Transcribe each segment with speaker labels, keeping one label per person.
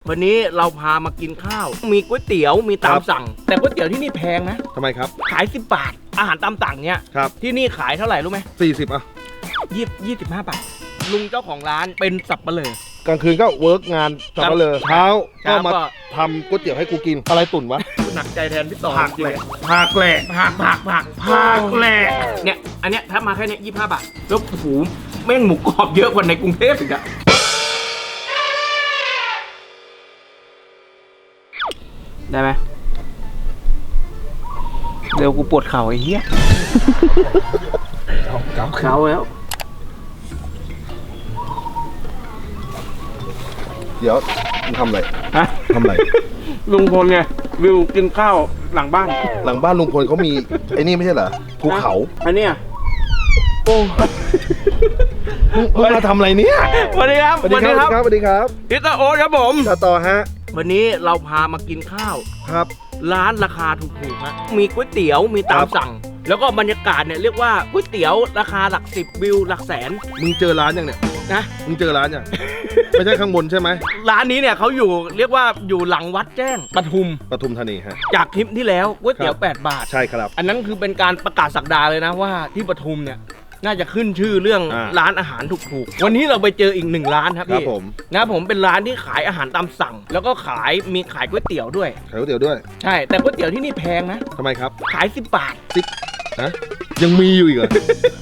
Speaker 1: วันนี้เราพามากินข้าวมีก๋วยเตี๋ยวมีตามสั่งแต่ก๋วยเตี๋ยวที่นี่แพงนะ
Speaker 2: ทำไมครับ
Speaker 1: ขาย10 บาทอาหารตามสั่งเนี้ย
Speaker 2: ครับ
Speaker 1: ที่นี่ขายเท่าไหร่รู้ไหม
Speaker 2: 40อ่ะ
Speaker 1: 25 บาทลุงเจ้าของร้านเป็นสับปะเลอก
Speaker 2: ลางคืนก็เวิร์กงานสับปะเลอเช้าก็มา
Speaker 1: ก็
Speaker 2: ทำก๋วยเตี๋ยวให้กูกินอะไรตุ่นวะ
Speaker 1: หนักใจแทนพี่ต่อ
Speaker 2: ผักแหละผักแหละ
Speaker 1: เนี่ยอันเนี้ยถ้ามาแค่เนี้ย25 บาทแล้วโอ้โหแม่งหมูกรอบเยอะกว่าในกรุงเทพอีกอะได้ไหมเดี๋ยวกูปวดเข่าไอ้เหี้ยเข่าแล้ว
Speaker 2: เดี๋ยวมึงทำอะไร
Speaker 1: ฮะ
Speaker 2: ทำอะไร
Speaker 1: ลุงพลไงวิวกินข้าวหลังบ้าน
Speaker 2: ลุงพลเขามีไอ้นี่ไม่ใช่เหรอภูเขา
Speaker 1: อันเนี้ยโอ้
Speaker 2: มึงมาทำอะไรเนี่ย
Speaker 1: สวัสดีครับ
Speaker 2: สวัสดีครับ
Speaker 1: พิตาโอ๊ตครับผม
Speaker 2: ต่อฮะ
Speaker 1: วันนี้เราพามากินข้าว
Speaker 2: ครับ
Speaker 1: ร้านราคาถูกๆฮะมีก๋วยเตี๋ยวมีตามสั่งแล้วก็บรรยากาศเนี่ยเรียกว่าก๋วยเตี๋ยวราคาหลัก10วิวหลักแสน
Speaker 2: มึงเจอร้านยังเนี่ย
Speaker 1: นะ
Speaker 2: มึงเจอร้านยัง ไม่ใช่ข้างบนใช่ไหม
Speaker 1: ร้านนี้เนี่ยเขาอยู่เรียกว่าอยู่หลังวัดแจ้งปทุม
Speaker 2: ธานีฮะ
Speaker 1: จากคลิปที่แล้วก๋วยเตี๋ยว8 บาท
Speaker 2: ใช่ครับ
Speaker 1: อันนั้นคือเป็นการประกาศศักดาเลยนะว่าที่ปทุมเนี่ยน่าจะขึ้นชื่อเรื่องร้านอาหารถูกๆวันนี้เราไปเจออีก1 ร้านครับพี่นะผมเป็นร้านที่ขายอาหารตามสั่งแล้วก็มีขายก๋วยเตี๋ยวด้วย
Speaker 2: ใ
Speaker 1: ช่แต่ก๋วยเตี๋ยวที่นี่แพงนะ
Speaker 2: ทำไมครับ
Speaker 1: ขาย10 บาท
Speaker 2: ฮะยังมีอยู่อีกเหรอ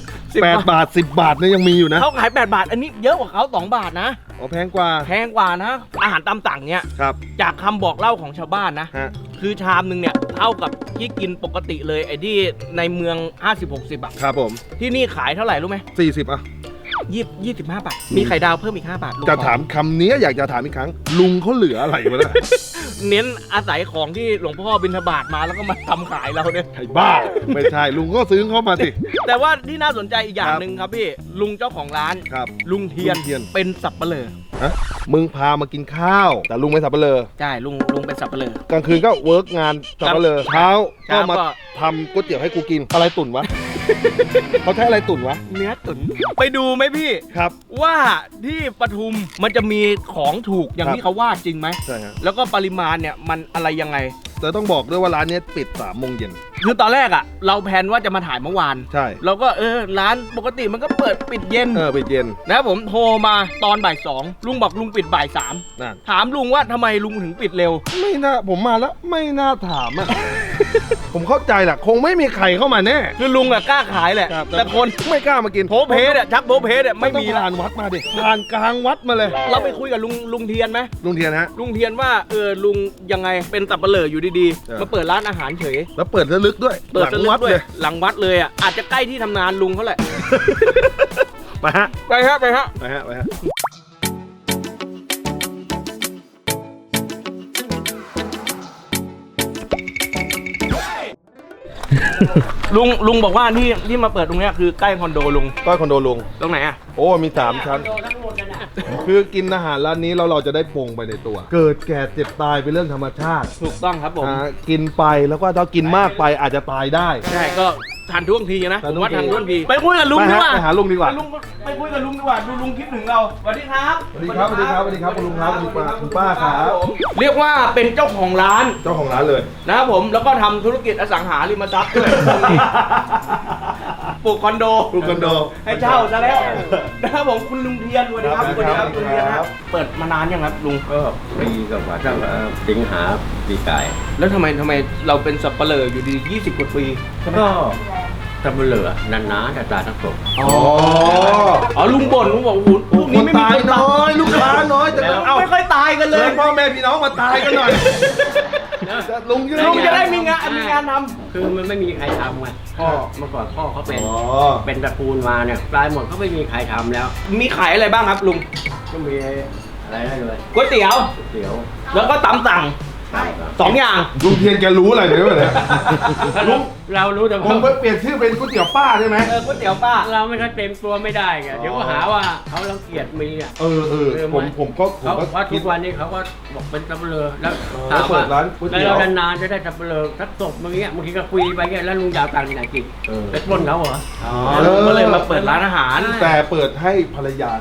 Speaker 2: 8 บาท10 บาทเนี่ยยังมีอยู่นะ
Speaker 1: เขาขาย8 บาทอันนี้เยอะกว่าเขา2 บาทนะ
Speaker 2: อ๋อแพงกว่านะ
Speaker 1: อาหารตามสั่งเนี่ยจากคำบอกเล่าของชาวบ้านนะคือชามนึงเนี่ยเท่ากับที่กินปกติเลยไอ้ที่ในเมือง50-60 บาท
Speaker 2: ครับผม
Speaker 1: ที่นี่ขายเท่าไหร่รู้ไหม
Speaker 2: 40อ่ะ
Speaker 1: 25 บาทมีไข่ดาวเพิ่มอีก5 บาท
Speaker 2: จะถามคำนี้อยากจะถามอีกครั้งลุงเขาเหลืออะไรวะเนี่ย
Speaker 1: เน้นอาศัยของที่หลวงพ่อบิณฑบาตมาแล้วก็มาทำขายเราเนี่ย
Speaker 2: ไอ้บ้าไม่ใช่ลุงก็ซื้อเข้ามาสิ
Speaker 1: แต่ว่าที่น่าสนใจอีกอย่างหนึ่งครับพี่ลุงเจ้าของร้านลุงเทียนเป็นสับปะเลอ
Speaker 2: ฮะมึงพามากินข้าวแต่ลุงไม่สับปะเลอ
Speaker 1: ใช่ลุงเป็นสับปะเลอก
Speaker 2: ลางคืนก็เวิร์กงานสับปะเลอเช้าก็มาทำก๋วยเตี๋ยวให้กูกินอะไรตุ่นวะเขาใช้อะไรตุ่นวะ
Speaker 1: เนื้อตุ๋นไปดูไหมพี่
Speaker 2: ครับ
Speaker 1: ว่าที่ปทุมมันจะมีของถูกอย่างที่เขาว่าจริงไหม
Speaker 2: ใช่ครับ
Speaker 1: แล้วก็ปริมาณเนี่ยมันอะไรยังไง
Speaker 2: แต่ต้องบอกด้วยว่าร้านนี้ปิด3 โมงเย็น
Speaker 1: คือตอนแรกอ่ะเราแพลนว่าจะมาถ่ายเมื่อวาน
Speaker 2: ใช่
Speaker 1: เราก็ร้านปกติมันก็เปิดปิดเย็น
Speaker 2: ปิดเย็น
Speaker 1: นะผมโทรมาตอนบ่าย 2ลุงบอกลุงปิดบ่าย 3
Speaker 2: นั่น
Speaker 1: ถามลุงว่าทำไมลุงถึงปิดเร็ว
Speaker 2: ไม่น่าผมมาแล้วไม่น่าถามอ่ะ ผมเข้าใจแหละคงไม่มีใครเข้ามาแน่
Speaker 1: คือลุงอะกล้าขายแหละแต่คน
Speaker 2: ไม่กล้ามากิน
Speaker 1: โพเพสชักโพเพสไม่มี
Speaker 2: ลานวัดมาดิลานกลางวัดมาเลย
Speaker 1: เราไปคุยกับลุงเทียนไหม
Speaker 2: ลุงเทียนฮะ
Speaker 1: ลุงเทียนว่าลุงยังไงเป็นสับปะเลออยู่ดีๆมาเปิดร้านอาหารเฉย
Speaker 2: แล้วเปิดลึกด้วย
Speaker 1: หลังวัดเลยหลังวัดเลยอ่ะอาจจะใกล้ที่ทำงานลุงเขาแหละ
Speaker 2: ไปฮะ
Speaker 1: ลุงบอกว่าที่มาเปิดตรงนี้คือใกล้คอนโดลุงตรงไหนอ่ะ
Speaker 2: โอ้มี3 ชั้นคือกินอาหารร้านนี้เราจะได้ปรุงไปในตัวเกิดแก่เจ็บตายเป็นเรื่องธรรมชาติ
Speaker 1: ถูกต้องครับผม
Speaker 2: กินไปแล้วก็ถ้ากินมากไปอาจจะตายได้
Speaker 1: ใช่ก็ทานท่วงทีนะผมว่าทานท่วงทีไปคุยกับลุงดีกว่า
Speaker 2: ไปหาลุงดีกว่า
Speaker 1: ไปคุยกับลุงดีกว่าดูลุงคิดถึงเราสวัสดีครับ
Speaker 2: คุณลุงครับคุณป้าครับ
Speaker 1: เรียกว่าเป็นเจ้าของร้าน
Speaker 2: เลย
Speaker 1: นะครับผมแล้วก็ทำธุรกิจอสังหาริมทรัพย์ด้วยปลูกคอนโดให้เช่าซะแล้วนะครับผมคุณลุงเทียนสวัสดีครับคุณเทียนครับเปิดมานานยังครับลุง
Speaker 3: ก็ปีกับว่าตั้งสิงหาปีกาย
Speaker 1: แล้วทำไมเราเป็นสับปะเลออยู่ดี20 กว่าปี
Speaker 3: ก็สับปะเลอนานๆแต่ตายทั้งศพ
Speaker 1: อ๋อลุงบ่นลุงบอกพวกนี้ไม่มี
Speaker 2: ตายน้อยลูกค้าน้อยแต่
Speaker 1: ไม่ค่อยตายกันเลย
Speaker 2: พ่อแม่พี่น้องมาตายกันหน่อยลุง
Speaker 1: จะได้มีงานทำ
Speaker 3: คือมันไม่มีใครทำไงพ่อเมื่อก่อนพ่อเขาเป็นตระกูลมาเนี่ยตายหมดเขาไม่มีใครทำแล้ว
Speaker 1: มีขายอะไรบ้างครับลุง
Speaker 3: ก็มีอะไรได้เลย
Speaker 1: ก๋วยเตี๋ยวแล้วก็ตำสั่ง2 อย่าง
Speaker 2: ลุงเทียนแกรู้อะไรเนี่ย
Speaker 3: เรารู้แต่
Speaker 2: ผมเปลี่ยนชื่อเป็นก๋วยเตี๋ยวป้าได้ไหม
Speaker 1: ก๋วยเตี๋ยวป้า
Speaker 3: เราไม่ได้เต็มตัวไม่ได้ไงเดี๋ยวก็หาว่าเขารังเกียจมีอ่ะ
Speaker 2: ผมก็
Speaker 3: ว่าทุกวันนี้เขาก็บอกเป็นสับปะเลอแล้วถามว่าแล้วนานๆจะได้สับปะเลอสักศพบางทีก็คุยไปเงี้ยแล้วลุงยาวตังค์ที่ไหนกินไปปล้นเขาเหรอ
Speaker 1: ก็เลยมาเปิดร้านอาหาร
Speaker 2: แต่เปิดให้ภรรยาท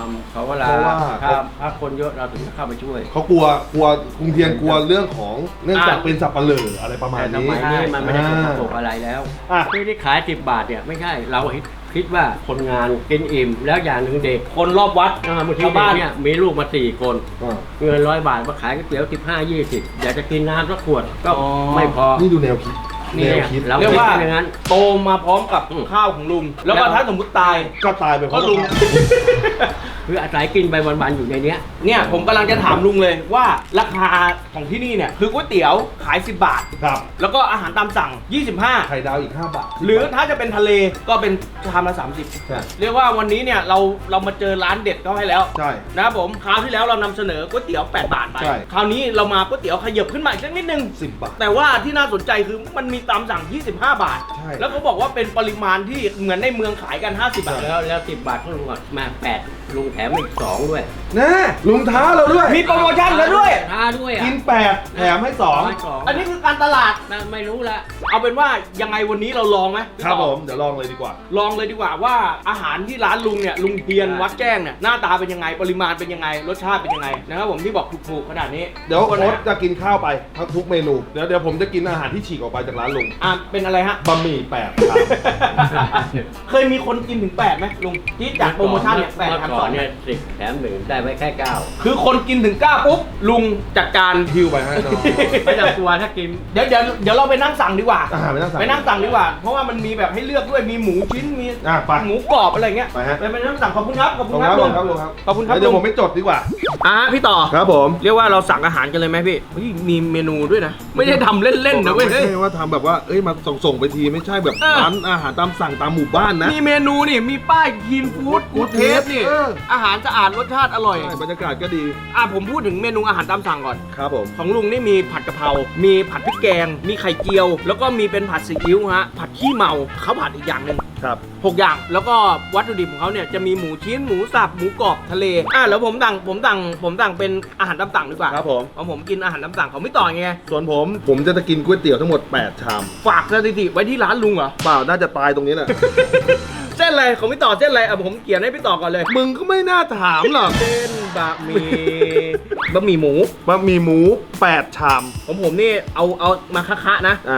Speaker 3: ำเขาเวลาถ้าคนเยอะเราถึงจะเข้าไปช่วย
Speaker 2: เขากลัวลุงเทียนกลัวเรื่องของเนื่องจากเป็นสับปะเหร่ออะไรประมาณ
Speaker 3: แต่ส
Speaker 2: นี้
Speaker 3: มัยนี้มันไม่ได้สกปรกอะไรแล้ว
Speaker 2: อ่ะ
Speaker 3: ที่ขาย10 บาทเนี่ยไม่ใช่เราคิดว่าคนงานกินอิ่มแล้วอย่างหนึ่งเด็ก
Speaker 1: คนรอบวัด
Speaker 3: บางที
Speaker 1: ชาว
Speaker 3: เด็
Speaker 1: บ้าก น
Speaker 3: เนี่ยมีลูกมา4 คน
Speaker 2: อ่า
Speaker 3: เงิน100 บาทมาขายก๋วยเตี๋ยว15-20อยากจะกินน้ำสักขวดก็
Speaker 1: อ๋อ
Speaker 3: ไม่พอ
Speaker 2: นี่ดูแนวคิด
Speaker 3: นี่
Speaker 2: แนวคิด
Speaker 3: เรา
Speaker 1: เรียกว่า
Speaker 3: อย่างนั้น
Speaker 1: โตมาพร้อมกับข้าวของลุง แล้วก็ถ้าสมมติตาย
Speaker 2: ก็ตายไปเพ
Speaker 1: ก็
Speaker 2: ราะ
Speaker 1: ลุง
Speaker 3: คืออาศัยกินไปวันๆอยู่ในเนี้ย
Speaker 1: เนี่ยผมกำลังจะถามลุงเลยว่าราคาของที่นี่เนี่ยคือก๋วยเตี๋ยวขาย10 บาท
Speaker 2: ครับ
Speaker 1: แล้วก็อาหารตามสั่ง
Speaker 2: ไข่ดาวอีก5 บาท
Speaker 1: 25 หรือถ้าจะเป็นทะเลก็เป็นชามละ
Speaker 2: ใช่
Speaker 1: 30 เรียกว่าวันนี้เนี่ยเรามาเจอร้านเด็ดเขาให้แล้ว
Speaker 2: ใช่
Speaker 1: นะครับผมคราวที่แล้วเรานำเสนอก๋วยเตี๋ยว8 บาทไป
Speaker 2: ใช่
Speaker 1: คราวนี้เรามาก๋วยเตี๋ยวขยับขึ้นมาอีกสักนิดนึง
Speaker 2: 10 บาท
Speaker 1: แต่ว่าที่น่าสนใจคือมันมีตามสั่ง 25 บาท
Speaker 2: ใช่
Speaker 1: แล้วเขาบอกว่าเป็นปริมาณที่เหมือนในเมืองขายกัน 50 บาท
Speaker 3: แล้ว10 บาทเขาลุงมา8ลุงแถมอีก2ด้วย
Speaker 2: นะลุงท้าเราด้วย
Speaker 1: มีโปรโมชั่นแล้วด้วย
Speaker 3: ท้าด้วยอ่ะ
Speaker 2: กิน8แถมให้
Speaker 1: อันนี้คือการตลาด
Speaker 3: ไม่รู้ละ
Speaker 1: เอาเป็นว่ายังไงวันนี้เราลองไหม
Speaker 2: 2ครับผมเดี๋ยวลองเลยดีกว่า
Speaker 1: ลองเลยดีกว่าว่าอาหารที่ร้านลุงเนี่ยลุงเทียนวัดแจ้งเนี่ยหน้าตาเป็นยังไงปริมาณเป็นยังไงรสชาติเป็นยังไงนะครับผมที่บอกถูกๆขนาดนี้
Speaker 2: เดี๋ยว
Speaker 1: คน
Speaker 2: โอ๊ต
Speaker 1: นะ
Speaker 2: จะกินข้าวไปทุกเมนูเดี๋ยวผมจะกินอาหารที่ฉีกออกไปจากร้านลุง
Speaker 1: เป็นอะไรฮะ
Speaker 2: บะหมี่8ครับ
Speaker 1: เคยมีคนกินถึง8ไหมลุงที่จัดโปรโมชั่นเนี่ย8
Speaker 3: เมื่อ
Speaker 1: แถม
Speaker 3: ก่อน
Speaker 1: 2
Speaker 3: เนี่ย10 แถม 1ได้ไว้แค่ 9
Speaker 1: คือคนกินถึง9ปุ๊บลุงจัดการ
Speaker 2: ฮิวไปให้น้อง
Speaker 3: ไม่ต้องกลัวถ้ากิน
Speaker 1: เดี๋ยวเราไปนั่งสั่งดีกว่า
Speaker 2: ไปนั่งสั่ง
Speaker 1: ไปนั่งสั่งดีกว่า เพราะว่ามันมีแบบให้เลือกด้วยมีหมูชิ้นมี
Speaker 2: ไป
Speaker 1: หมูกรอบอะไรเงี้ย
Speaker 2: ไปฮะ
Speaker 1: ไปนั่งสั่งขอบคุณครับขอบ
Speaker 2: ข
Speaker 1: คุ
Speaker 2: อบ
Speaker 1: ณ
Speaker 2: คุณ
Speaker 1: ค
Speaker 2: ค
Speaker 1: รั
Speaker 2: รั
Speaker 1: บบ ลุง
Speaker 2: ครับ
Speaker 1: ขอบคุณครับ
Speaker 2: เดี๋ยว
Speaker 1: ลุ
Speaker 2: ผ
Speaker 1: ง
Speaker 2: มไม่จดดีกว่า
Speaker 1: พี่ต่อ
Speaker 2: ครับผม
Speaker 1: เรียกว่าเราสั่งอาหารกันเลยไหมพี่เฮ้ยมีเมนูด้วยนะ ไม่ได้ทำเล่นๆนะเว้ย
Speaker 2: ไม่
Speaker 1: เฮ้ย
Speaker 2: ใช่ว่าทำแบบว่ามาส่งไปทีไม่ใช่แบบ
Speaker 1: เออ
Speaker 2: ร้านอาหารตามสั่งตามหมู่บ้านนะ
Speaker 1: มีเมนูนี่มีป้ายคีนฟู้ดกูเทสนี่
Speaker 2: เออ
Speaker 1: อาหารสะอาดรสชาติอร่อย
Speaker 2: ใช่บรรยากาศก็ดี
Speaker 1: ผมพูดถึงเมนูอาหารตามสั่งก่อน
Speaker 2: ครับผม
Speaker 1: ของลุงนี่มีผัดกะเพรา มีผัดพริกแกง มีไข่เจียว แล้วก็มีเป็นผัดซีอิ๊วฮะ ผัดขี้เมาเขาผัดอีกอย่างหนึ่ง
Speaker 2: ครับ
Speaker 1: 6 อย่าง แล้วก็วัตถุดิบของเขาเนี่ยจะมีหมูชิ้น หมูสับ หมูกรอบทะเล แล้วผมสั่งเป็นอาหารตามสั่งดีกว่า
Speaker 2: ครับผม
Speaker 1: เพราะผมกินอาหารตามสั่งของไม่ต่อไง
Speaker 2: ส่วนผมจะกินก๋วยเตี๋ยวทั้งหมด8ชาม
Speaker 1: ฝากสถิติไว้ที่ร้านลุงเหรอ
Speaker 2: เปล่าน่าจะตายตรงนี้แหละ
Speaker 1: เส้นอะไรของพี่ต่อเส้นอะไรผมเขียนให้พี่ต่อก่อนเลย
Speaker 2: มึงก็ไม่น่าถามหรอก
Speaker 1: เส้นบะหมี่บะหมี่หมู
Speaker 2: บะหมี่หมู8ชาม
Speaker 1: ของผมนี่เอามาคะๆนะ
Speaker 2: อ่าก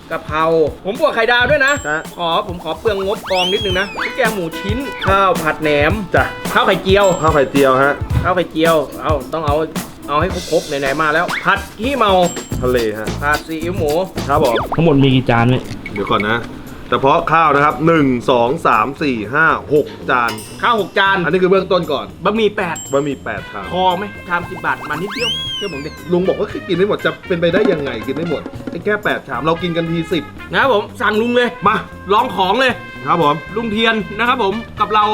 Speaker 1: ะเพราผมบวกไข่ดาวด้วยนะ
Speaker 2: ฮะ
Speaker 1: ผมขอเปลืองงบกองนิดนึงนะพริกแกงหมูชิ้น ข้าวผัดแหนม
Speaker 2: จ้ะ
Speaker 1: ข้าวไข่เจียว
Speaker 2: ข้าวไข่เจียวฮะ
Speaker 1: ข้าวไข่เจียว ต้องเอาให้ครบๆไหนๆมาแล้ว ผัดขี้เมา
Speaker 2: ทะเลฮะ
Speaker 1: ผัดซีอิ๊วหมู
Speaker 2: ครับผม
Speaker 1: ทั้งหมดมีกี่จานไหม
Speaker 2: เดี๋ยวก่อนนะแต่เพาะข้าวนะครับ1 2 3 4 5 6จาน
Speaker 1: ข้าว6 จาน
Speaker 2: อันนี้คือเบื้องต้นก่อน
Speaker 1: บะหมี่
Speaker 2: บะหมี่8ชาม
Speaker 1: 8พอไหมชาม10 บาทมานิดเดียวเชื่อผมดิ
Speaker 2: ลุงบอกว่ากินไม่หมดจะเป็นไปได้ยังไงกินไม่หมดไอ้แค่8ชามเรากินกันที10
Speaker 1: นะครับผมสั่งลุงเลยมาลองของเลย
Speaker 2: ครับผม
Speaker 1: ลุงเทียนนะครับผมกับเรา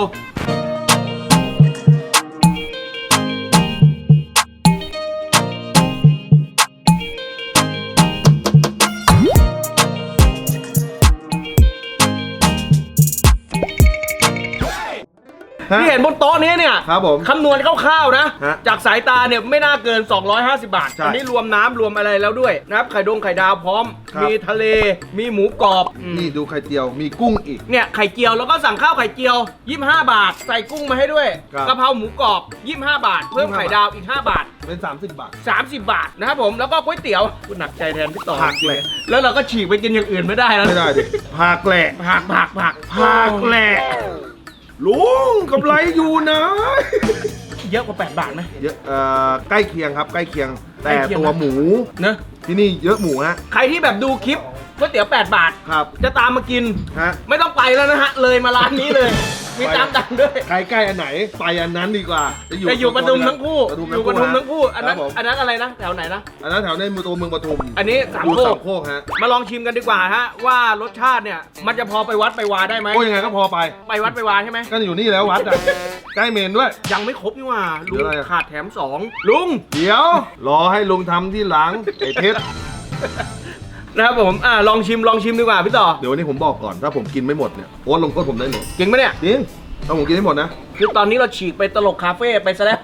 Speaker 1: ที่เห็นบนโต๊ะนี้เนี่ย
Speaker 2: ครับผม
Speaker 1: คำนวณคร่าวๆนะ
Speaker 2: ฮะ
Speaker 1: จากสายตาเนี่ยไม่น่าเกิน 250 บาท
Speaker 2: ใช่
Speaker 1: อันนี้รวมน้ำรวมอะไรแล้วด้วยนะครับไข่ดาวพร้อม
Speaker 2: ครับ
Speaker 1: มีทะเล มีหมูกรอบ
Speaker 2: นี่ดูไข่เจียวมีกุ้งอีก
Speaker 1: เนี่ยไข่เจียวแล้วก็สั่งข้าวไข่เจียว 25 บาท ใส่กุ้งมาให้ด้วย
Speaker 2: ครับ
Speaker 1: กะเพราหมูกรอบ 25 บาท เพิ่มไข่ดาวอีก 5 บาท
Speaker 2: เป็น30 บาท
Speaker 1: 30 บาทนะครับผมแล้วก็ก๋วยเตี๋ยวคุณหนักใจแทนพี่ต่อ
Speaker 2: ผักเลย
Speaker 1: แล้วเราก็ฉีกไปกินอย่างอื่นไม่ได้แล้ว
Speaker 2: ไม่ได้ดิผักแหละ
Speaker 1: ผัก
Speaker 2: ผักแหละลุงกำไรอยู่นะ
Speaker 1: เยอะกว่า 8 บาทไหม
Speaker 2: เยอะใกล้เคียงครับใกล้เคียง แต่
Speaker 1: ใกล้เคียง
Speaker 2: ตัวหมู
Speaker 1: เนอะ
Speaker 2: ที่นี่เยอะหมูฮะ
Speaker 1: ใครที่แบบดูคลิปก๋วยเตี๋ยว 8 บาท
Speaker 2: ครับ
Speaker 1: จะตามมากิน
Speaker 2: ฮะ
Speaker 1: ไม่ต้องไปแล้วนะฮะ เลยมาร้านนี้เลย มีตามดังด้วย
Speaker 2: ใครใกล้อันไหนไปอันนั้นดีกว่า
Speaker 1: จะอยู่ปทุมทั้งคู่
Speaker 2: ปทุม
Speaker 1: อยู่ปทุมทั้งคู่ อันนั้น
Speaker 2: ครับผม
Speaker 1: อันนั้นอะไรนะ แถวไหนนะ
Speaker 2: อันนั้นแถวในตัวเมืองปทุม
Speaker 1: อันนี้สาม
Speaker 2: อยู่
Speaker 1: โค
Speaker 2: สาก มโคกฮะ
Speaker 1: มาลองชิมกันดีกว่าฮะ ว่ารสชาติเนี่ย มันจะพอไปวัดไปวาได้ไหม
Speaker 2: โอ้ยังไงก็พอไป
Speaker 1: ไปวัดไปวาใช่ไหม
Speaker 2: ก็อยู่นี่แล้ววัดอะใกล้เมนด้วย
Speaker 1: ยังไม่ครบนี่หว่า ลุ
Speaker 2: เหลื
Speaker 1: ง
Speaker 2: ออะไรอะ
Speaker 1: ขาดแถม 2 ลุง
Speaker 2: เดี๋ยว รอให้ลุงทำที่หลังไอ้เพชร
Speaker 1: นะครับผม ลองชิมดีกว่าพี่ต่อ
Speaker 2: เดี๋ยววันนี้ผมบอกก่อนถ้าผมกินไม่หมดเนี่ยโอ๊ตลงโทษผมได้เลย
Speaker 1: จริงไหมเนี่ย
Speaker 2: จริงถ้าผมกินไม่หมดนะ
Speaker 1: คือตอนนี้เราฉีกไปตลกคาเฟ่ไปซะแล้ว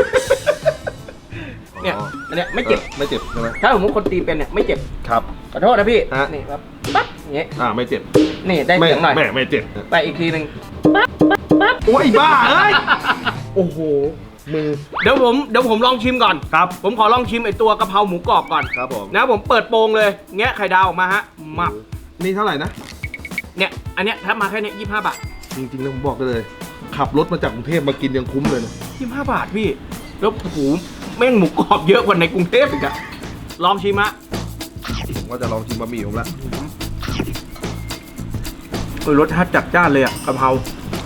Speaker 1: เนี่ย
Speaker 2: อ๋อ
Speaker 1: อันเนี้ยไม่เจ็บ
Speaker 2: ไม่เจ็บใช่ไหม
Speaker 1: ถ้าผมว่าคนตีเป็นเนี่ยไม่เจ็บ
Speaker 2: ครับ
Speaker 1: ขอโทษนะพี่
Speaker 2: ฮะ
Speaker 1: นี่ครับปั๊บอย่างเงี้ย
Speaker 2: ไม่เจ็บ
Speaker 1: นี่ได้เสียงหน่อย
Speaker 2: ไม่เจ็บ
Speaker 1: ไปอีกทีหนึ่งปั๊บ
Speaker 2: โอ้ยบ้าเอ้ย
Speaker 1: โอ้โห
Speaker 2: มือ
Speaker 1: เดี๋ยวผมลองชิมก่อน
Speaker 2: ครับ
Speaker 1: ผมขอลองชิมไอตัวกะเพราหมูกรอบก่อน
Speaker 2: ครับผม
Speaker 1: นะผมเปิดโปงเลยแงะไข่ดาวออกมาฮะมับ
Speaker 2: นี่เท่าไหร่นะ
Speaker 1: เนี่ยอันเนี้ยถ้ามาแค่เนี้ย25 บาท
Speaker 2: จริงๆแล้วผมบอกได้เลย ขับรถมาจากกรุงเทพมากินยังคุ้มเลยนะ
Speaker 1: 25 บาทพี่แล้วโอ้โหแม่งหมูกรอบเยอะกว่าในกรุงเทพอีกอะลองชิมฮะ
Speaker 2: ผมว่าจะลองชิมบะหมี่ผมละ
Speaker 1: รสชาติจัดจ้านเลยอะกะเพรา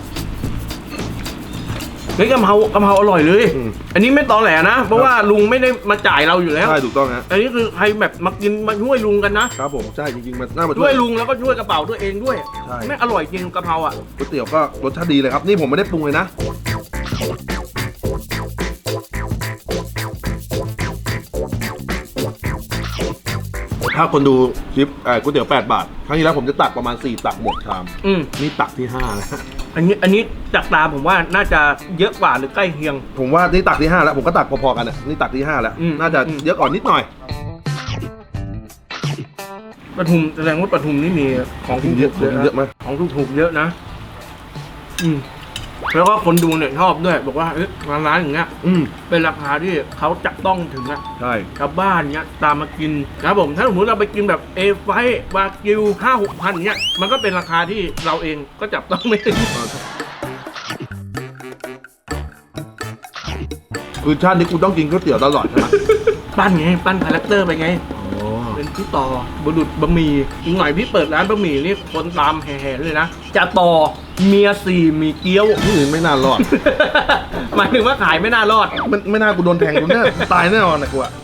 Speaker 1: เฮ้ยกะเพราอร่อยเลย อันนี้ไม่ตอแหลนะ เพราะว่าลุงไม่ได้มาจ่ายเราอยู่แล้ว
Speaker 2: ใช่ถูกต้องฮะ
Speaker 1: อันนี้คือใครแบบมากินมาช่วยลุงกันนะครับ
Speaker 2: ผมใช่จริงๆมันน่ามา
Speaker 1: ช่วยลุงแล้วก็ช่วยกระเป๋าตัวเองด้วย
Speaker 2: ใช่
Speaker 1: แม่งอร่อยจริงกะเพราอ่ะ
Speaker 2: ก๋วยเตี๋ยวก็รสชาติดีเลยครับนี่ผมไม่ได้ปรุงเลยนะถ้าคนดูคลิปก๋วยเตี๋ยว8 บาทครั้งที่แล้วผมจะตักประมาณ4 ตักหมดชาม นี่ตักที่5แล้ว
Speaker 1: อันนี้จากตาผมว่าน่าจะเยอะกว่าหรือใกล้เคียง
Speaker 2: ผมว่านี่ตักที่5แล้วผมก็ตักพอๆกันอ่ะนี่ตักที่5แล้ว น่าจะเยอะก่อนนิดหน่อย
Speaker 1: ปทุมแสดงว่าปทุมนี่มีของถูก
Speaker 2: เยอะ
Speaker 1: ๆ
Speaker 2: เยอะไหม
Speaker 1: ของถูกๆเยอะนะ แล้วก็คนดูเนี่ยชอบด้วย บอกว่าร้านอย่างเงี้ยเป็นราคาที่เขาจับต้องถึงอะ
Speaker 2: ใช่
Speaker 1: ชาวบ้านเงี้ยตามมากินนะครับผมถ้าสมมติเราไปกินแบบเอไฟวากิว5-6 พันเงี้ยมันก็เป็นราคาที่เราเองก็จับต้องไม่ถึง
Speaker 2: คือชาตินี้กูต้องกินก๋วยเตี๋ยวตลอดใช่ไหม
Speaker 1: ปั้นไงปั้นคาแรคเตอร์ไปไง เป็นพี่ต่อบุรุษบะหมี่อีกหน่อยพี่เปิดร้านบะหมี่นี่คนตามแห่ๆเลยนะจะต่อเมีย4มีเกี๊ยว
Speaker 2: ที่อื่นไม่น่ารอด
Speaker 1: หมายถึงว่าขายไม่น่ารอด
Speaker 2: ไม่น่ากูโดนแทงกูเนี่ยตายแน่นอนนะกูอะ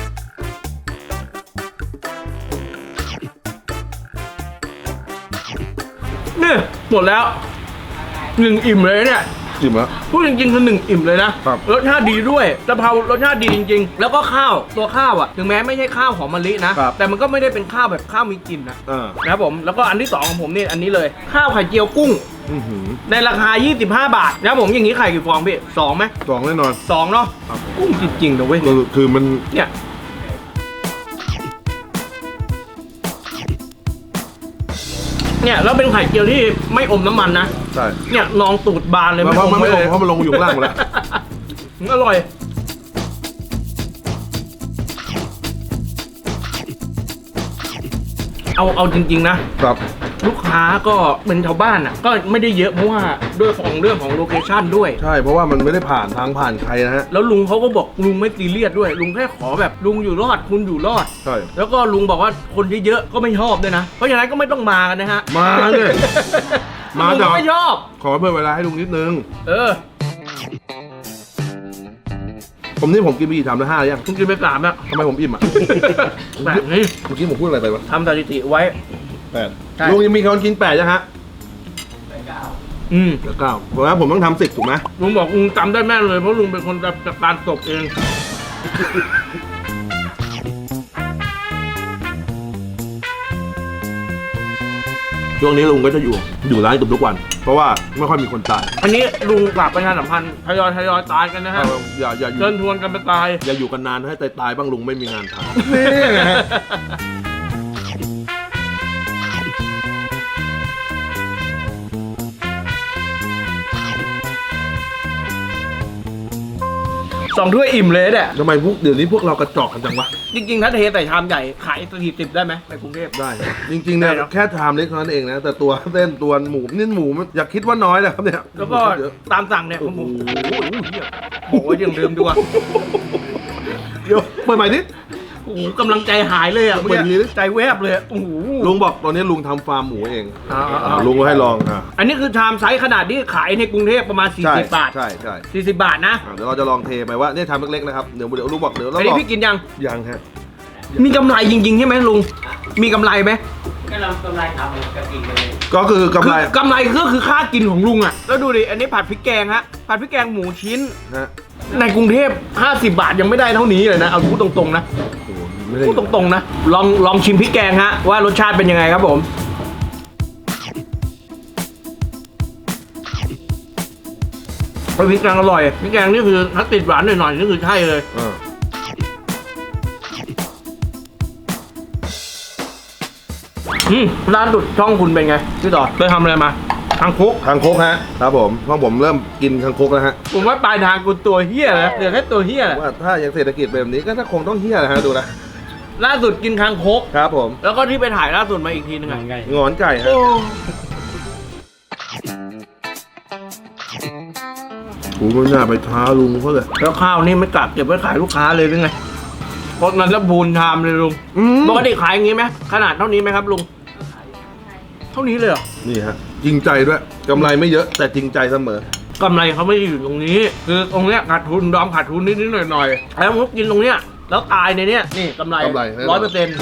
Speaker 1: นี่หมดแล้ว1 อิ่มเลยเนี่ย
Speaker 2: จริงเหรอ
Speaker 1: พูดจริงๆคือ1 อิ่มเลยนะครับ รสชาติดีด้วยกะเพรารสชาติดีจริง ๆ แล้วก็ข้าวตัวข้าวอ่ะถึงแม้ไม่ใช่ข้าวหอมมะลินะแต่มันก็ไม่ได้เป็นข้าวแบบข้าวมีกลิ่นนะ นะครับผมแล้วก็อันที่2ของผมนี่อันนี้เลยข้าวไข่เจียวกุ้งในราคา25 บาทนะครับผมอย่างนี้ไข่กี่ฟองพี่2ไหม
Speaker 2: 2แน่นอน
Speaker 1: 2เนาะกุ้งจริงๆนะเว้ย
Speaker 2: คือมัน
Speaker 1: เนี่ยแล้วเป็นไข่เจียวที่ไม่อมน้ำมันนะ
Speaker 2: ใช่
Speaker 1: เนี่ยนองตูดบานเลย
Speaker 2: เพราะมันไม่ลง
Speaker 1: เลย
Speaker 2: เพราะมันลงอยู่ข้างล่างหมดแล้ว
Speaker 1: อร่อยเอาจริงๆนะครับ ลูกค้าก็เป็นชาวบ้านอ่ะก็ไม่ได้เยอะเพราะว่าด้วยของเรื่องของโลเคชั่นด้วย
Speaker 2: ใช่เพราะว่ามันไม่ได้ผ่านใครนะฮะ
Speaker 1: แล้วลุงเขาก็บอกลุงไม่ซีเรียสด้วย ลุงแค่ขอแบบลุงอยู่รอดคุณอยู่รอด
Speaker 2: ใช่
Speaker 1: แล้วก็ลุงบอกว่าคนเยอะๆก็ไม่ชอบด้วยนะ เพราะฉะนั้นก็ไม่ต้องมากันนะฮะ
Speaker 2: มาเลย มา
Speaker 1: ลุง
Speaker 2: แต่
Speaker 1: ก็ไม่ชอบ
Speaker 2: ขอเพิ่มเวลาให้ลุงนิดนึง ผมกินไปกี่ชามแล้ว5ยัง
Speaker 1: คุณกินไป3แล้ว
Speaker 2: ทำไมผมอิ่มอ่ะ
Speaker 1: แบบนี้
Speaker 2: เมื่อกี้ผมพูดอะไรไปวะ
Speaker 1: ทำสถิติไว้ ใช่
Speaker 2: 8ลุงยังมีคนกิน8ยังฮะ
Speaker 1: อืม
Speaker 2: เหลือ9เพราะว่าผมต้องทำ10ถูกไหม
Speaker 1: ลุงบอกลุงจำได้แม่นเลยเพราะลุงเป็นคนจัดการศพเอง
Speaker 2: ช่วงนี้ลุงก็จะอยู่ร้านเกือบทุกวัน เพราะว่าไม่ค่อยมีคนตาย
Speaker 1: อันนี้ลุงฝากประชาสัมพันธ์ทยอยตายกันนะฮะ
Speaker 2: อย่าอยู่
Speaker 1: เชิญชวนกันไปตาย
Speaker 2: อย่าอยู่กันนานให้ตายบ้างลุงไม่มีงานทำ
Speaker 1: 2 ถ้วยอิ่มเลยเนี่ย
Speaker 2: ทำไมเดี๋ยวนี้พวกเรากระจอกกันจังวะ
Speaker 1: จริงๆถ้าเทใส่ชามใหญ่ขาย40ได้ไหมในกรุงเทพ
Speaker 2: ได้ จริงๆเนี่ย
Speaker 1: ได้เนอะ
Speaker 2: แค่ชามเล็กเท่านั้นเองนะ แต่ตัวเส้นตัวหมูนี่หมูมันอย่าคิดว่าน้อยนะครับเนี่ย
Speaker 1: แล้วก็
Speaker 2: เยอะ
Speaker 1: ตามสั่งเนี่ยผมบอกว่ายังเดิมดีกว่า
Speaker 2: เดี๋ยวเปิดใหม่นิด
Speaker 1: โอ้โหกำลังใจหายเลยอ่ะ
Speaker 2: เปิดดีดิ
Speaker 1: ใจแวบเลยโอ้โห
Speaker 2: ลุงบอกตอนนี้ลุงทำฟาร์มหมูเอง
Speaker 1: อ่า
Speaker 2: ลุงก็ให้ลองอ่ะ
Speaker 1: อันนี้คือชามไซส์ขนาดที่ขายในกรุงเทพประมาณ
Speaker 2: ใช่
Speaker 1: 40 บาท
Speaker 2: ใช่ใช่
Speaker 1: 40 บาทนะ
Speaker 2: เดี๋ยวเราจะลองเทไปว่าเนี่ยชามเล็กๆนะครับเดี๋ยวลุงบอกเดี๋ยวเรา
Speaker 1: อัน
Speaker 2: ล
Speaker 1: นี้
Speaker 2: อง
Speaker 1: พี่กินยัง
Speaker 2: ยังฮะ
Speaker 1: มีกำไรจริงๆใช่ไหมลุงมีกำไรไหม
Speaker 3: ก็เรากำไรทำก็กินไปเลย
Speaker 2: ก็คือกำไร
Speaker 1: กำไรก็คือค่ากินของลุงอ่ะแล้วดูดิอันนี้ผัดพริกแกงฮะผัดพริกแกงหมูชิ้น
Speaker 2: ฮะ
Speaker 1: ในกรุงเทพ50 บาทยังไม่ได้เท่านี้เลยนะเอาพูดตรงๆนะ
Speaker 2: โอ้โหไม่ได้
Speaker 1: พูดตรงๆนะลองชิมพริกแกงฮะว่ารสชาติเป็นยังไงครับผมพริกแกงอร่อยพริกแกงนี่คือถ้าติดหวานหน่อยๆนี่คือใช่เลย ร้านดุดช่องคุณเป็นไงพี่ต่อเคยทำอะไรมาคางคก
Speaker 2: คางคกฮะครับผมเพราะผมเริ่มกินคางคกแล้วฮะ
Speaker 1: ผมว่าปลายทางกูตัวเฮี้ยแล้วเหลือแค่ตัวเฮี้ยแหละ
Speaker 2: ว่าถ้ายังเศรษฐกิจแบบนี้ก็ถ้าคงต้องเฮี้ยนะฮะดูนะ
Speaker 1: ล่าสุดกินคางคก
Speaker 2: ครับผม
Speaker 1: แล้วก็ที่ไปถ่ายล่าสุดมาอีกทีนึงไง
Speaker 2: งอนไก่ฮะ
Speaker 1: โอ้
Speaker 2: กูไม่น่าไปท้าลุงเขาเลย
Speaker 1: แล้วข้าวนี่ไม่กลับเก็บไว้ขายลูกค้าเลยหรือไงเพราะนั้นแล้วบูนชามเลยลุง ปกติขายอย่างงี้ไหมขนาดเท่านี้ไหมครับลุง เท่านี้เลยเหรอ
Speaker 2: นี่ฮะจริงใจด้วยกำไรไม่เยอะแต่จริงใจเสมอ
Speaker 1: กำไรเขาไม่ได้อยู่ตรงนี้ คือตรงเนี้ยขาดทุนดอมขาดทุนนิดๆหน่อยๆแล้วมุกกินตรงเนี้ยแล้วตายในเนี้ยนี่กำไร
Speaker 2: แน่นอน
Speaker 1: 100%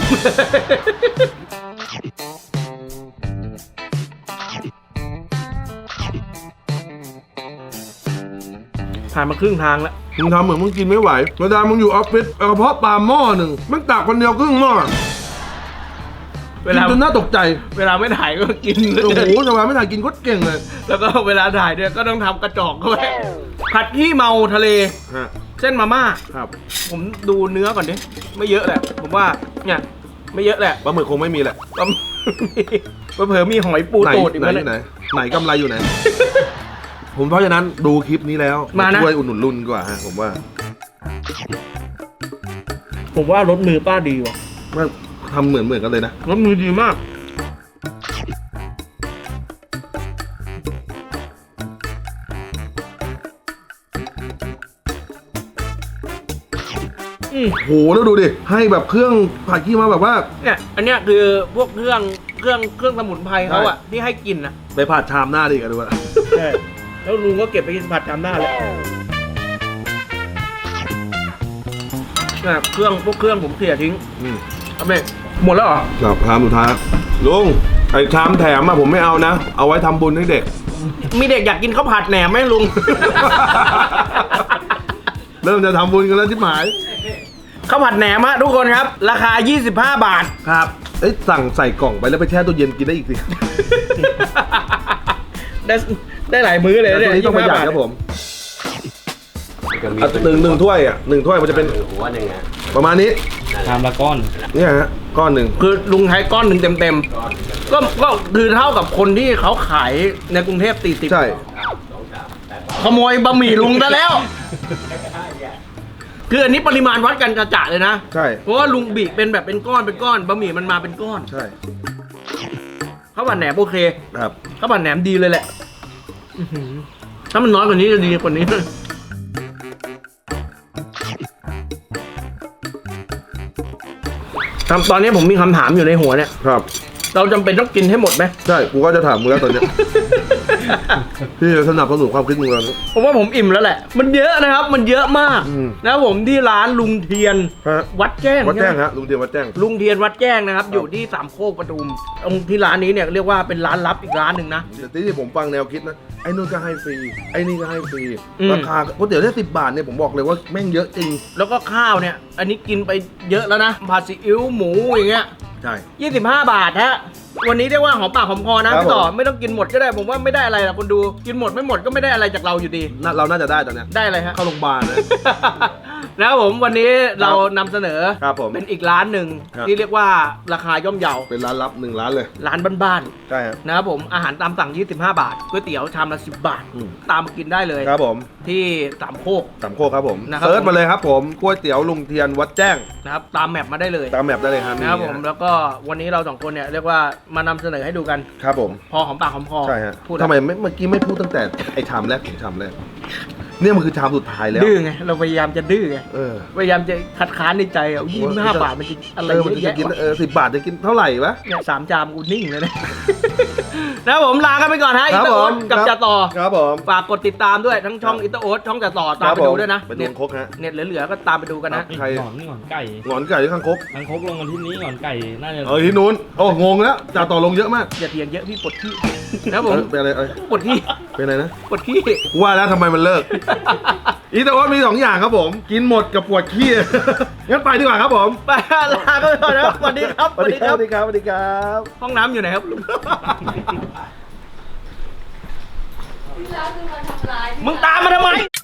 Speaker 1: ผ่านมาครึ่งทางแล้ว
Speaker 2: มึงทำเหมือนมึงกินไม่ไหวเวลามึงอยู่ออฟฟิศเอากระเพาะปลาหม้อหนึ่งมึงตักคนเดียวครึ่งหม้อ
Speaker 1: เวลา
Speaker 2: กินจนน่าตกใจ
Speaker 1: เวลาไม่ถ่ายก็กิน
Speaker 2: โอ้โหทำไมไม่ถ่ายกินโคตรเก่งเลย
Speaker 1: แล้วก็เวลาถ่ายเนี่ยก็ต้องทำกระจอกเข้าไว้ผัดขี้เมาทะเล
Speaker 2: ฮะ
Speaker 1: เส้นมาม่า
Speaker 2: ครับ
Speaker 1: ผมดูเนื้อก่อนดิไม่เยอะแหละ ผมว่าเนี่ยไม่เยอะแหละ
Speaker 2: ปลาหมึกคงไม่มีแหละ
Speaker 1: ก็เผลอๆมีหอยปู
Speaker 2: ไหน
Speaker 1: ตูดอีก
Speaker 2: ไหน
Speaker 1: แล้ว
Speaker 2: ไหน
Speaker 1: เนี่ย
Speaker 2: ไหนกำไรอยู่ไหน ผมเพราะฉะนั้นดูคลิปนี้แล้ว
Speaker 1: มานะ
Speaker 2: ช่วยอุดหนุนรุ่นดีกว่าฮะผมว่า
Speaker 1: ผมว่ารสมือป้าดีว่ะ
Speaker 2: ว่าทำเหมือนกันเลยนะ
Speaker 1: รสมือดีมาก
Speaker 2: โหแล้วดูดิให้แบบเครื่องผัดขี้มาแบบว่า
Speaker 1: เนี่ยอันเนี้ยคือพวกเครื่องสมุนไพรเขาอะที่ให้กินอะ
Speaker 2: ไปผัดชามหน้าดิกันดูว่า
Speaker 1: ใช่แล้วลุงก็เก็บไปกินผัดจำหน้าเลยเนี่ยพวกเครื่องผมเสียทิ้งเอาไปหมดแล้วเหรอ
Speaker 2: ครับชามสุดท้ายลุงไอ้ชามแถมอะผมไม่เอานะ เอาไว้ทำบุญให้เด็ก
Speaker 1: มีเด็กอยากกินข้าวผัดแหนมไหมลุง
Speaker 2: เริ่มจะทำบุญกันแล้วที่หมาย
Speaker 1: ข้าวผัดแหนมฮะทุกคนครับ ราคา 25 บาท
Speaker 2: ครับเอ้ยสั่งใส่กล่องไปแล้วไปแช่ตู้เย็นกินได้อีกสิ
Speaker 1: ได้หลายมื้อเลย
Speaker 2: แต่
Speaker 1: เนี่ย
Speaker 2: ตัวนี้ต้องประหยัดครับผมหนึ่งถ้วยอ่ะหนึ่งถ้วยมันจะเป็น
Speaker 3: หัวหนึ่งอ่ะ
Speaker 2: ประมาณนี้
Speaker 4: ชามละก้อน
Speaker 2: เนี่ยฮะก้อนหนึ่ง
Speaker 1: คือลุงใช้ก้อนหนึ่งเต็มๆก็คือเท่ากับคนที่เขาขายในกรุงเทพ40
Speaker 2: ใช่
Speaker 1: ขโมยบะหมี่ลุงซะแล้ว คืออันนี้ปริมาณวัดกันจะๆเลยนะ
Speaker 2: ใช่
Speaker 1: เพราะว่าลุงบีเป็นแบบเป็นก้อนบะหมี่มันมาเป็นก้อน
Speaker 2: ใช่
Speaker 1: ข้าวผัดแหนมโอเค
Speaker 2: ครับ
Speaker 1: ข้าวผัดแหนมดีเลยแหละอื้อหือถ้ามันน้อยกว่านี้จะดีกว่านี้ตอนนี้ผมมีคำถามอยู่ในหัวเนี่ย
Speaker 2: ครับ
Speaker 1: เราจำเป็นต้องกินให้หมดไหม
Speaker 2: ใช่กูก็จะถามมึงแล้วตอนเนี้ย พี่จะสนับสนุนความคิดมึงแล้ว
Speaker 1: ผมว่าผมอิ่มแล้วแหละ มันเยอะนะครับ มันเยอะมาก
Speaker 2: อืม
Speaker 1: นะครับผมที่ร้านลุงเทียน
Speaker 2: ฮะ
Speaker 1: วัดแจ้ง
Speaker 2: วัดแจ้ง
Speaker 1: ใช่ไหม
Speaker 2: ฮะลุงเดียววัดแจ้ง
Speaker 1: ลุงเทียนวัดแจ้งนะครับ อยู่ที่สามโคกปทุมตรงที่ร้านนี้เนี่ยเรียกว่าเป็นร้านลับอีกร้านหนึ่งนะ
Speaker 2: แต่ที่ผมฟังแนวคิดนะไอ้นู่นก็ให้ฟรีไอ้นี่ก็ให้ฟรี
Speaker 1: อืม
Speaker 2: ราคาก๋วยเตี๋ยวได้10 บาทเนี่ยผมบอกเลยว่าแม่งเยอะจริง
Speaker 1: แล้วก็ข้าวเนี่ย อันนี้กินไปเยอะแล้วนะผัดซีอิ๊วหมูอย่างเงี้ย
Speaker 2: ใช่
Speaker 1: 25 บาทฮะ วันนี้เรียกว่าหอมปากหอมคอนะครับ พี่ต่อ
Speaker 2: ผม
Speaker 1: ไม่ต้องกินหมดก็ได้ ผมว่าไม่ได้อะไรหรอกคนดู กินหมดไม่หมดก็ไม่ได้อะไรจากเราอยู่ดี
Speaker 2: เราน่าจะได้ตอนเนี้ย
Speaker 1: ได้อะไรฮะ
Speaker 2: เข้าโรงพยาบาลนะ
Speaker 1: นะครับผมวันนี้เรานำเสนอ
Speaker 2: ครับผม
Speaker 1: เป็นอีกร้านหนึ่ง
Speaker 2: ครับ
Speaker 1: ที่เรียกว่าราคาย่อมเยา
Speaker 2: เป็นร้านลับ1 ร้านเลย
Speaker 1: ร้านบ้าน
Speaker 2: ใช่ฮะ
Speaker 1: ๆนะครับผมอาหารตามสั่ง 25 บาทก๋วยเตี๋ยวชามละ10 บาท
Speaker 2: อืม
Speaker 1: ตามมากินได้เลย
Speaker 2: ครับผม
Speaker 1: ที่สามโคก
Speaker 2: สามโคกครับผม
Speaker 1: นะครับ
Speaker 2: เซิร์ชมาเลยครับผมก๋วยเตี๋ยวลุงเทียนวัดแจ้ง
Speaker 1: นะครับตามแมปมาได้เลย
Speaker 2: ตามแมปได้เลยครับ
Speaker 1: นะครับผมแล้วก็วันนี้เราสองคนเนี่ยเรียกว่ามานำเสนอให้ดูกัน
Speaker 2: ครับผม
Speaker 1: พอหอมปากหอมคอ
Speaker 2: ใช่ฮะ
Speaker 1: พูด
Speaker 2: ทำไมเมื่อกี้ไม่พูดตั้งแต่ไอ้ชามแรกถึงชามแรกเนี่ยมันคือชามสุดท้ายแล้ว
Speaker 1: ดื้อไงเราพยายามจะดื้อไง
Speaker 2: เออ
Speaker 1: พยายามจะคัดค้านในใจอ่ะ25 บาทมันจะอะไร
Speaker 2: มัน
Speaker 1: เยอะ
Speaker 2: จะ
Speaker 1: แยะ
Speaker 2: กิน
Speaker 1: วะ
Speaker 2: 10 บาทจะกินเท่าไหร่วะ
Speaker 1: เนี่ย3 จามกูนิ่งเลยนะ นะครับผมลากันไปก่อนฮะ
Speaker 2: ค
Speaker 1: อิ
Speaker 2: รับ
Speaker 1: ตาโอ๊ต
Speaker 2: ผม
Speaker 1: กับ
Speaker 2: ครับ
Speaker 1: จ่าต่อ
Speaker 2: ครับผม
Speaker 1: ฝากกดติดตามด้วยทั้งช่องอิตาโอ๊ตช่องจ่าต่อตามไปดูด้วยนะ
Speaker 2: ไปดู
Speaker 1: เน็ต
Speaker 2: คกฮะ
Speaker 1: เน็ตเหลือๆก็ตามไปดูกันนะ
Speaker 2: ใคร
Speaker 4: หงอนไก่
Speaker 2: หงอนไก่หรือข้างคก
Speaker 4: ทางคกลงกันที่นี้หงอนไก่ น่าจะ
Speaker 2: ที่นู้นโอ้งงแล้วจ่าต่อลงเยอะมาก
Speaker 1: อย่าเถียงเยอะพี่ปวดขี้ นะครับผม
Speaker 2: เป็นอะไร
Speaker 1: ปวดขี้
Speaker 2: เป็นอะไรนะ
Speaker 1: ปวดขี้
Speaker 2: ว่าแล้วทำไมมันเลิก อีตาโอ๊ตมี2 อย่างครับผม กินหมดกับปวดขี้ งั้นไปดีกว่าครับผม
Speaker 1: ไปลากันไปก่อนนะครับสวัสดีครับ
Speaker 2: สวัสดีครับสวัสดีครับสวัสดีครับ
Speaker 1: ห้องน้ำอยู่ไหนครับ
Speaker 5: ที่ร้านคือมาทำร้าย
Speaker 1: มึงตามมาทำไม